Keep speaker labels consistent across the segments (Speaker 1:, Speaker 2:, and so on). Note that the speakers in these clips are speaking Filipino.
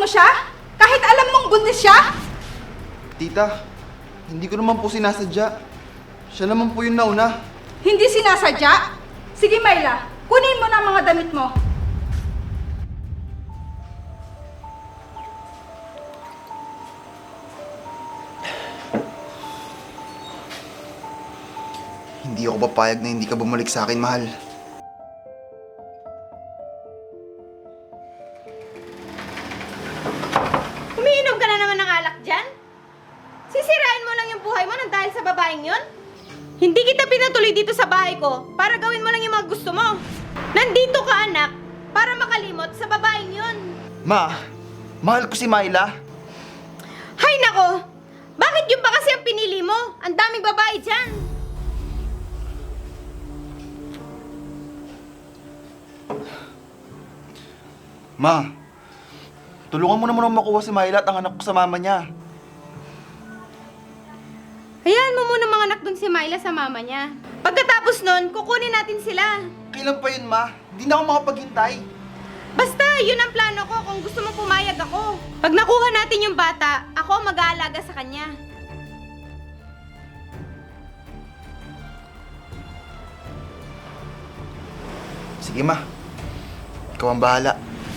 Speaker 1: mo siya? Kahit alam mong buntis siya?
Speaker 2: Tita, hindi ko naman po sinasadya. Siya naman po yung nauna.
Speaker 1: Hindi sinasadya? Sige, Myla. Kunin mo na ang mga damit mo.
Speaker 2: Hindi ako papayag na hindi ka bumalik sa akin, mahal.
Speaker 3: Umiinom ka na naman ng alak dyan? Sisirain mo lang yung buhay mo nang dahil sa babaeng yon? Hindi kita pinatuloy dito sa bahay ko para gawin mo lang yung mga gusto mo. Nandito ka, anak, para makalimot sa babaeng yon.
Speaker 2: Ma, mahal ko si Myla.
Speaker 3: Hay nako! Bakit yun ba kasi ang pinili mo? Ang daming babae dyan.
Speaker 2: Ma, tulungan mo naman ako makuha si Myla at ang anak ko sa mama niya.
Speaker 3: Hayaan mo muna mga anak dun si Myla sa mama niya. Pagkatapos nun, kukunin natin sila.
Speaker 2: Kailan pa yun, Ma? Hindi na ako makapaghintay.
Speaker 3: Basta, yun ang plano ko kung gusto mong pumayag ako. Pag nakuha natin yung bata, ako ang mag-aalaga sa kanya.
Speaker 2: Sige, Ma. Ikaw ang bahala.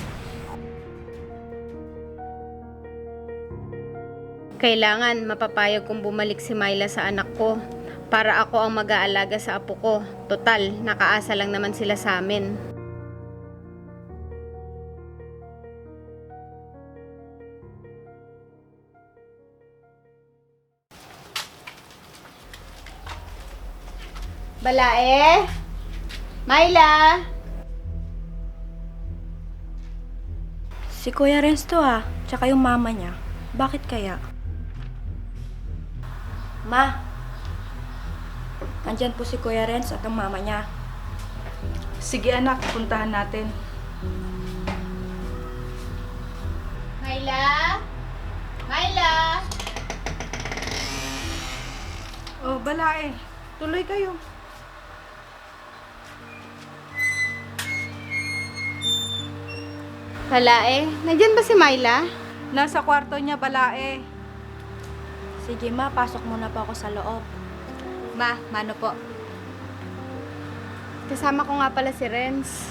Speaker 3: Kailangan mapapayag kong bumalik si Myla sa anak ko para ako ang mag-aalaga sa apo ko. Total, nakaasa lang naman sila sa amin. Balae? Myla?
Speaker 4: Si Kuya Renz to tsaka yung mama niya. Bakit kaya? Ma! Andyan po si Kuya Renz at ang mama niya.
Speaker 1: Sige anak, puntahan natin.
Speaker 3: Myla? Myla?
Speaker 1: Oh, Balae. Tuloy kayo.
Speaker 3: Balae? Nandyan ba si Myla?
Speaker 1: Nasa kwarto niya, Balae.
Speaker 4: Sige ma, pasok muna po ako sa loob.
Speaker 3: Ma, mano po? Kasama ko nga pala si Renz.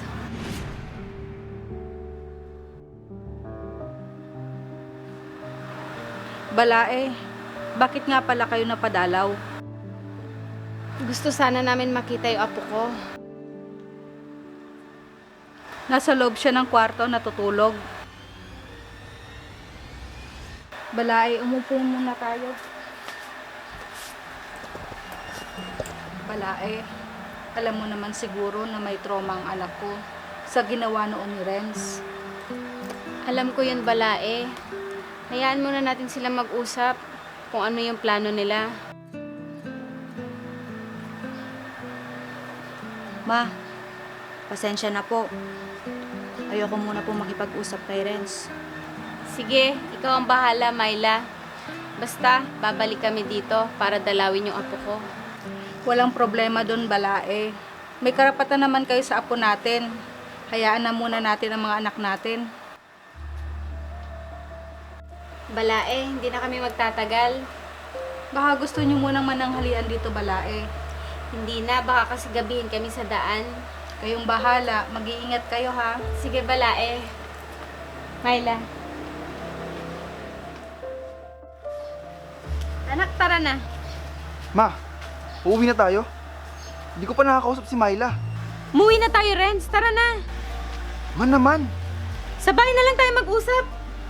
Speaker 1: Balae, bakit nga pala kayo napadalaw?
Speaker 3: Gusto sana namin makita yung apo ko.
Speaker 1: Nasa loob siya ng kwarto, natutulog. Balae, umupo muna tayo. Balae, alam mo naman siguro na may trauma ang anak ko sa ginawa noon ni Renz.
Speaker 3: Alam ko yun, Balae. Hayaan muna natin sila mag-usap kung ano yung plano nila.
Speaker 4: Ma, pasensya na po. Ayoko muna po makipag-usap kay Renz.
Speaker 3: Sige, ikaw ang bahala, Myla. Basta, babalik kami dito para dalawin yung apo ko.
Speaker 1: Walang problema doon, Balae. May karapatan naman kayo sa apo natin. Hayaan na muna natin ang mga anak natin.
Speaker 3: Balae, hindi na kami magtatagal.
Speaker 1: Baka gusto niyo munang mananghalian dito, Balae.
Speaker 3: Hindi na, baka kasi gabihin kami sa daan.
Speaker 1: Kayong bahala. Mag-iingat kayo, ha?
Speaker 3: Sige, Balae. Myla. Anak, tara na.
Speaker 2: Ma, uuwi na tayo. Hindi ko pa nakakausap si Myla.
Speaker 3: Muwi na tayo, Renz. Tara na.
Speaker 2: Man naman.
Speaker 3: Sa bahay na lang tayo mag-usap.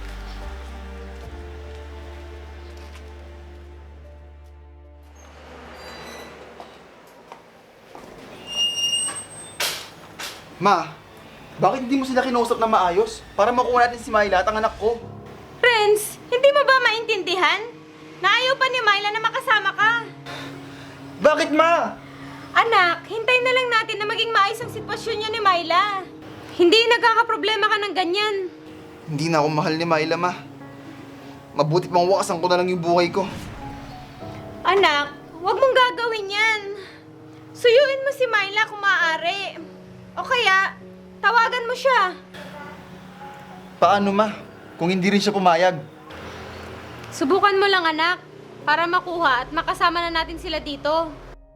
Speaker 2: Ma, bakit hindi mo sila kinausap na maayos? Para makuha natin si Myla at ang anak ko.
Speaker 3: Renz, hindi mo ba maintindihan? Na ayaw pa ni Myla na makasama ka.
Speaker 2: Bakit, Ma?
Speaker 3: Anak, hintayin na lang natin na maging maayos ang sitwasyon niyo ni Myla. Hindi nagkakaproblema ka ng ganyan.
Speaker 2: Hindi na ako mahal ni Myla, Ma. Mabuti pang wakasan ko na lang yung buhay ko.
Speaker 3: Anak, huwag mong gagawin yan. Suyuin mo si Myla kung maaari. O kaya, tawagan mo siya.
Speaker 2: Paano, Ma? kung hindi rin siya pumayag.
Speaker 3: Subukan mo lang, anak, para makuha at makasama na natin sila dito.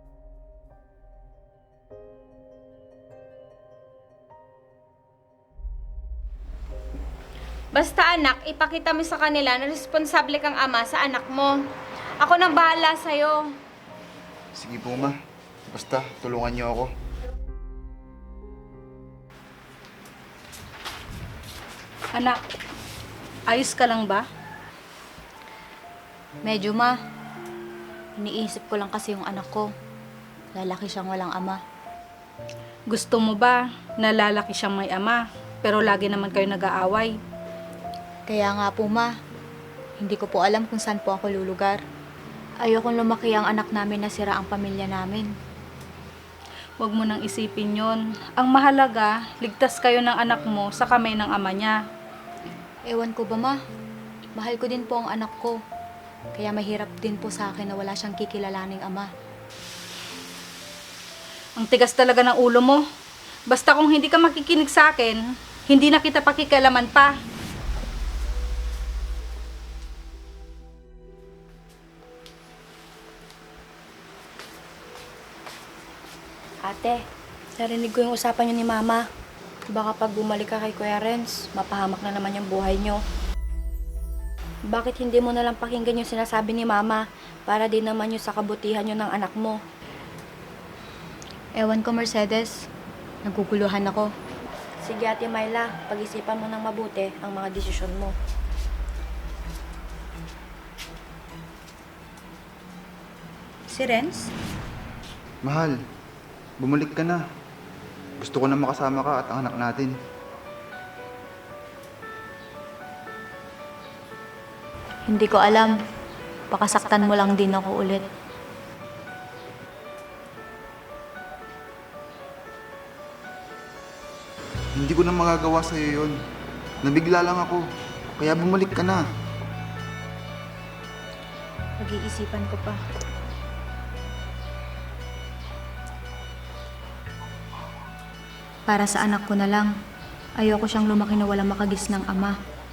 Speaker 3: Basta anak, ipakita mo sa kanila na responsable kang ama sa anak mo. Ako nang bahala sa'yo.
Speaker 2: Sige po, ma. Basta, tulungan niyo ako.
Speaker 1: Anak, ayos ka lang ba?
Speaker 4: Medyo, ma. Iniisip ko lang kasi yung anak ko. Lalaki siyang walang ama.
Speaker 1: Gusto mo ba na lalaki siyang may ama, pero lagi naman kayo nag-aaway?
Speaker 4: Kaya nga po, ma. Hindi ko po alam kung saan po ako lulugar. Ayokong lumaki ang anak namin na sira ang pamilya namin.
Speaker 1: Huwag mo nang isipin yon. Ang mahalaga, ligtas kayo ng anak mo sa kamay ng ama niya.
Speaker 4: Ewan ko ba, ma? Mahal ko din po ang anak ko. Kaya mahirap din po sa akin na wala siyang kikilalaning ama.
Speaker 1: Ang tigas talaga ng ulo mo. Basta kung hindi ka makikinig sa akin, hindi na kita pakikialaman pa.
Speaker 5: Ate, narinig ko yung usapan niyo ni Mama. Baka pag bumalik ka kay Kuya Renz, mapahamak na naman yung buhay niyo. Bakit hindi mo nalang pakinggan yung sinasabi ni Mama para din naman yung sa kabutihan niyo ng anak mo?
Speaker 4: Ewan ko, Mercedes. Naguguluhan ako.
Speaker 5: Sige Ate Myla, pag-isipan mo ng mabuti ang mga desisyon mo.
Speaker 4: Si Renz?
Speaker 2: Mahal, bumalik ka na. Gusto ko na makasama ka at ang anak natin.
Speaker 4: Hindi ko alam. Pakasaktan mo lang din ako ulit.
Speaker 2: Hindi ko na magagawa sa'yo yun. Nabigla lang ako. Kaya bumalik ka na.
Speaker 5: Pag-iisipan ko pa.
Speaker 4: Para sa anak ko na lang. Ayoko siyang lumaki na walang makagis ng ama.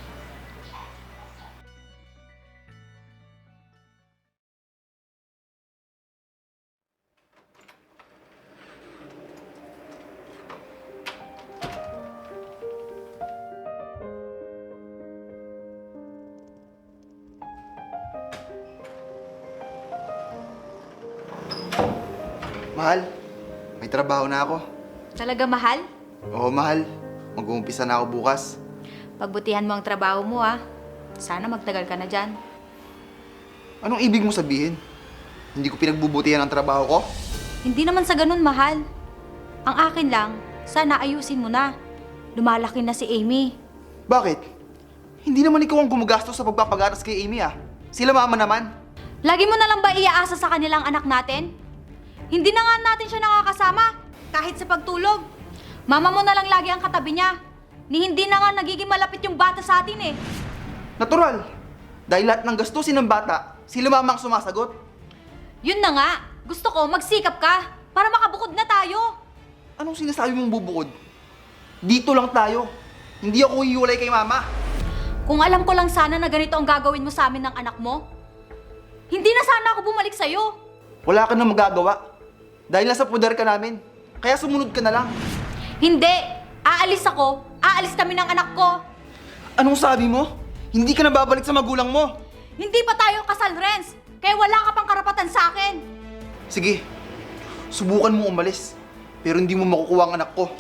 Speaker 2: Mahal, may trabaho na ako.
Speaker 4: Talaga, mahal?
Speaker 2: Oo, mahal. Mag-uumpisa na ako bukas.
Speaker 4: Pagbutihan mo ang trabaho mo, ah. Sana magtagal ka na dyan.
Speaker 2: Anong ibig mo sabihin? Hindi ko pinagbubutihan ang trabaho ko?
Speaker 4: Hindi naman sa ganun, mahal. Ang akin lang, sana ayusin mo na. Lumalaki na si Amy.
Speaker 2: Bakit? Hindi naman ikaw ang gumagastos sa pagpapagatas kay Amy ah. Sila mama naman.
Speaker 4: Lagi mo na lang ba iaasa sa kanilang anak natin? Hindi na nga natin siya nakakasama, kahit sa pagtulog. Mama mo na lang lagi ang katabi niya. Ni hindi na nga nagiging malapit yung bata sa atin eh.
Speaker 2: Natural. Dahil lahat ng gastusin ng bata, sila mama ang sumasagot.
Speaker 4: Yun na nga, gusto ko magsikap ka para makabukod na tayo.
Speaker 2: Anong sinasabi mong bubukod? Dito lang tayo. Hindi ako hiwalay kay mama.
Speaker 4: Kung alam ko lang sana na ganito ang gagawin mo sa amin ng anak mo, hindi na sana ako bumalik sa'yo.
Speaker 2: Wala ka nang magagawa. Dahil nasa pudar ka namin. Kaya sumunod ka na lang.
Speaker 4: Hindi! Aalis ako! Aalis kami ng anak ko!
Speaker 2: Anong sabi mo? Hindi ka na babalik sa magulang mo.
Speaker 4: Hindi pa tayo kasal, Renz! Kaya wala ka pang karapatan sa akin!
Speaker 2: Sige, subukan mo umalis. Pero hindi mo makukuha ang anak ko.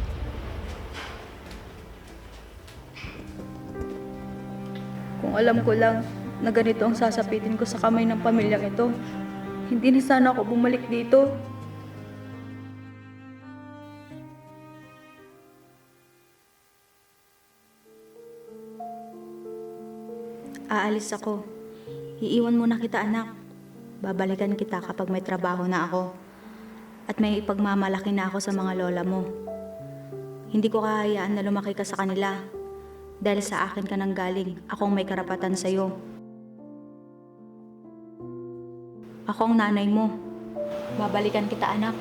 Speaker 5: Kung alam ko lang na ganito ang sasapitin ko sa kamay ng pamilyang ito, hindi na sana ako bumalik dito. Aalis ako. Iiwan muna kita, anak. Babalikan kita kapag may trabaho na ako. At may ipagmamalaki na ako sa mga lola mo. Hindi ko kahayaan na lumaki ka sa kanila. Dahil sa akin ka nang galing, akong may karapatan sa'yo. Ako ang nanay mo. Babalikan kita, anak.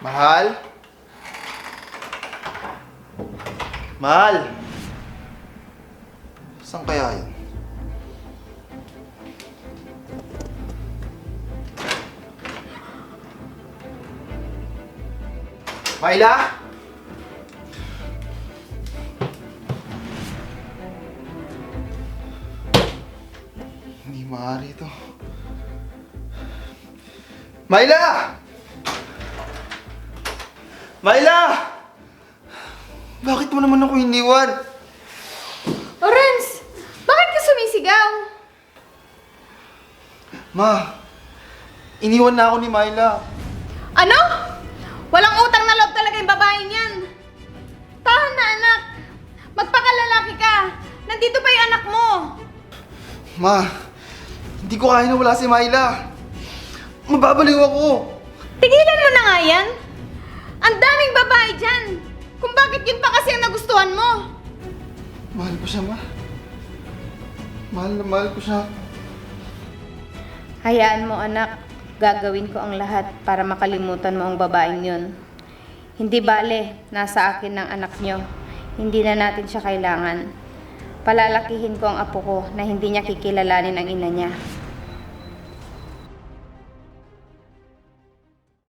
Speaker 2: Mahal? Mahal? Saan kaya yun? Myla? Hindi maaari ito. Myla! Myla! Bakit mo naman ako iniwan?
Speaker 3: Renz, bakit ka sumisigaw?
Speaker 2: Ma, iniwan na ako ni Myla.
Speaker 3: Ano? Walang utang na loob talaga yung babaeng yan. Tahan na, anak. Magpakalalaki ka. Nandito pa yung anak mo.
Speaker 2: Ma, hindi ko kaya na wala si Myla. Mababaliw ako.
Speaker 3: Tigilan mo na nga yan. Ang daming babae dyan. Kung bakit yun pa kasi ang nagustuhan mo.
Speaker 2: Mahal ko siya, Ma. Mahal na mahal ko siya.
Speaker 3: Hayaan mo, anak. Gagawin ko ang lahat para makalimutan mo ang babaeng yun. Hindi bale, nasa akin ng anak nyo. Hindi na natin siya kailangan. Palalakihin ko ang apo ko na hindi niya kikilalanin ang ina niya.